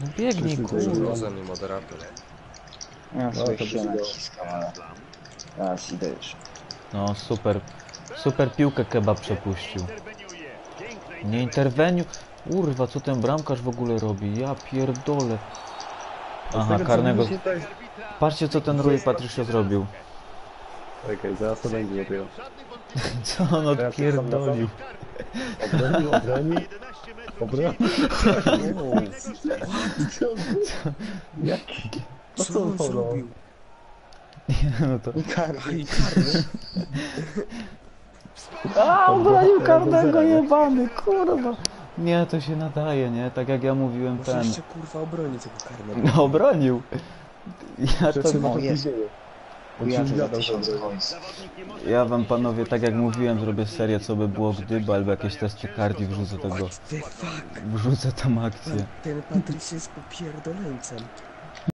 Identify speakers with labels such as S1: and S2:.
S1: No biegnij, kurwa.
S2: Poza mnie moderator.
S3: Ja sobie
S4: to
S3: się
S4: by się
S3: naciskam, ale... Teraz idę już.
S1: No super. Super piłkę kebab przepuścił. Nie interweniuj. Kurwa, co ten bramkarz w ogóle robi? Ja pierdolę. Aha, karnego. Patrzcie, co ten Rui Patricio zrobił.
S4: Okej, zaraz to będzie dopiero.
S1: Co on odpierdolił?
S4: Obroni. Jaki?
S2: Co on zrobił?
S1: No to...
S3: Karny.
S1: A, obronił karnego, jebany, kurwa. Nie, to się nadaje, nie? Tak jak ja mówiłem,
S2: Może
S1: ten...
S2: jeszcze kurwa obroni tego karnego.
S1: No, obronił. Ja to...
S3: O, jest. Ja to za 1000 coins.
S1: Ja wam, panowie, tak jak mówiłem, zrobię serię, co by było gdyby, albo jakieś testy kardii, wrzucę tego...
S2: What the fuck?
S1: Wrzucę tam akcję.
S2: Ten Patrice jest popierdoleńcem.